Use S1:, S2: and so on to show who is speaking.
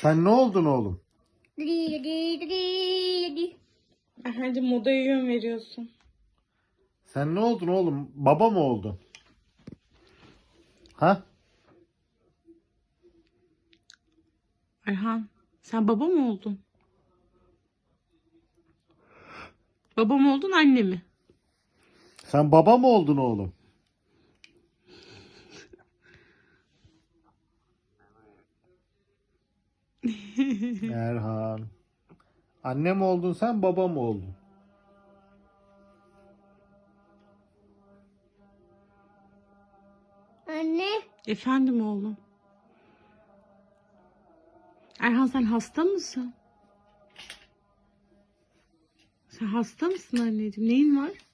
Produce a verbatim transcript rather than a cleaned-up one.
S1: Sen ne oldun oğlum?
S2: Erhan'cığım modaya yön veriyorsun.
S1: Sen ne oldun oğlum? Baba mı oldun? Ha?
S2: Erhan, sen baba mı oldun? Baba mı oldun, anne mi?
S1: Sen baba mı oldun oğlum? Erhan. Anne mi oldun sen, baba mı oldun?
S3: Anne.
S2: Efendim oğlum. Erhan, sen hasta mısın? Sen hasta mısın anneciğim? Neyin var?